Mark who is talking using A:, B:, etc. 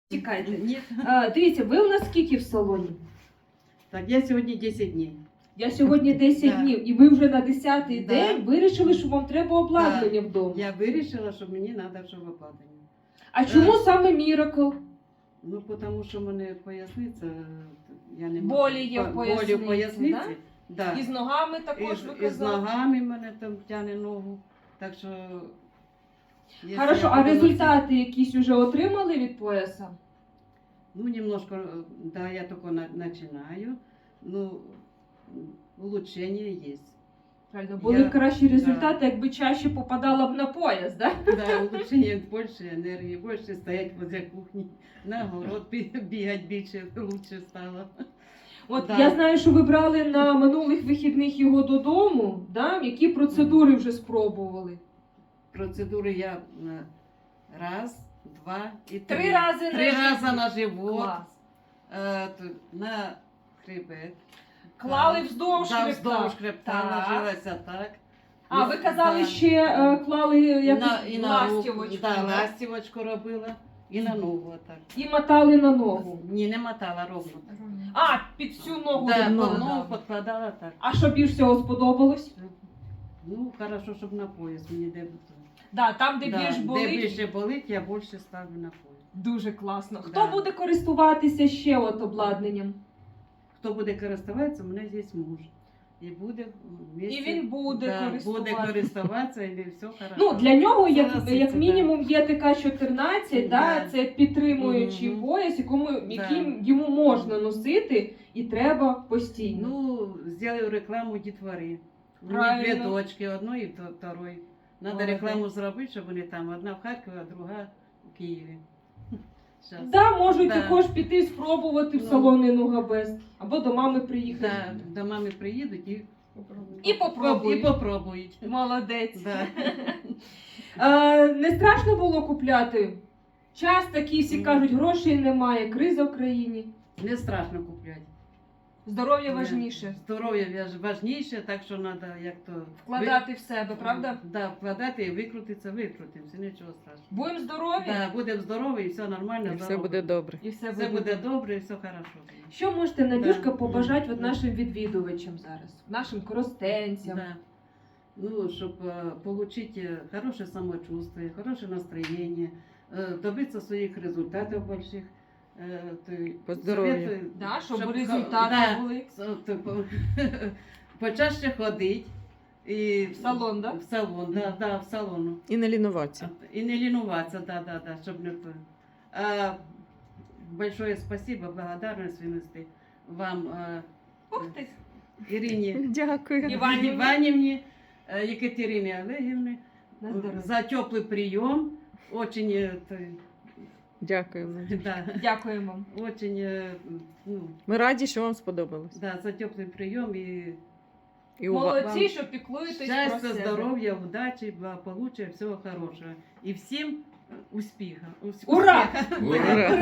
A: Чекайте.
B: Ні.
A: Дивіться, ви у нас скільки в салоні?
B: Так, я сьогодні 10 днів.
A: Я сьогодні 10
B: Да.
A: днів, і ви вже на 10-й
B: Да.
A: день вирішили, що вам треба обладнання вдома.
B: Я вирішила, що мені треба, щоб обладнання.
A: А чому саме Miracle?
B: Ну, тому що в мене поясниця, я не
A: Болі є в
B: болі в поясниці. Да?
A: І з ногами також ви
B: І з
A: казали?
B: ногами мене там тягне ногу. Так що... якщо
A: Хорошо,
B: я
A: а
B: буду
A: результати якісь вже отримали від пояса?
B: Ну, немножко, да, я только начинаю. Ну, улучшение есть.
A: Правильно, були б кращі результати,
B: Да.
A: якби чаще попадала б на пояс, да?
B: Да, улучшение, больше энергии, больше стоять возле кухни, на огород бегать більше, лучше стало.
A: От
B: Да.
A: я знаю, що ви брали на минулих вихідних його додому, да? Які процедури вже спробували?
B: Процедури я раз, два і три.
A: 3 рази
B: Три рази на живот,
A: Клас.
B: на хребет.
A: Клали
B: Так.
A: вздовж
B: Да,
A: хребта.
B: вздовж хребта
A: Так.
B: ложилася так.
A: А ви казали,
B: Да.
A: ще клали якусь
B: І на руку,
A: ластівочку,
B: да,
A: да?
B: ластівочку робила і на ногу отак.
A: І мотали на ногу.
B: Ні, не мотала ровно.
A: А, під всю ногу.
B: Да,
A: підкладали.
B: ногу підкладала так.
A: А що більш всього сподобалось?
B: Ну, хорошо, щоб на пояс мені де
A: Да, там, де
B: да,
A: більш болить,
B: де більше болить, я більше ставлю на пояс.
A: дуже класно. Хто
B: Да.
A: буде користуватися ще от обладнанням?
B: Хто буде користуватися, у мене є муж. І буде вместе,
A: І він буде користуватися.
B: буде користуватися, і все хорошо.
A: Ну, для нього, як
B: Согласиться,
A: мінімум, є ТК-14, да.
B: Да.
A: Це підтримуючий
B: Мгм.
A: пояс, яким йому можна носити і треба постійно.
B: Ну, зроблю рекламу дітвори. У мене
A: Правильно.
B: 2 дочки, одної і второї. Надо
A: Молодець.
B: рекламу зробити, щоб вони там, одна в Харкові, а друга в Києві. Щас.
A: Да, можуть
B: Да.
A: також піти спробувати в
B: Ну.
A: салони Нугабест. Або до мами приїхати.
B: Да, до мами приїдуть
A: І попробують.
B: І попробують.
A: Молодець.
B: Да.
A: Не страшно було купляти? Час такий, всі кажуть, грошей немає, криза в країні.
B: Не страшно купляти.
A: Здоров'я важніше.
B: Здоров'я важніше, так що треба як то
A: Вкладати в себе, правда?
B: Да, вкладати і викрутитися, викрутимося, нічого страшного.
A: Будемо здорові
B: Да, будемо здорові і все нормально.
C: І все
B: здорово.
C: буде добре.
A: і все
B: Все
A: буде.
B: буде добре і все хорошо.
A: Що можете, Надюшка,
B: Да.
A: побажати от нашим відвідувачам зараз? Нашим коростенцям?
B: Да. Ну, щоб отримати хороше самочувствие, хороше настроєння, добитися своїх результатів больших.
C: По здоров'ю.
A: Да, щоб результати були.
B: Почаще ходити. І
A: В салон, да?
B: В салон, да, в салону.
C: І не лінуватися.
B: І не лінуватися, да, щоб не то. Большое спасибо, благодарность винести вам,
A: Ух ти!
B: Ірині
C: Дякую.
B: Іванівні, Екатерині Олегівні
A: На здоров'я.
B: за теплий прийом. Очень,
C: Дякую.
B: да,
A: Дякуємо.
B: очень, ну,
C: Ми раді, що вам сподобалось.
B: да, за теплий прийом і
C: І
A: Молодці,
B: вам
A: що піклуєтесь про
B: щастя,
A: себе.
B: здоров'я, удачі, благополуччя, всього хорошого. І всім успіха.
A: Ура!
C: Ура!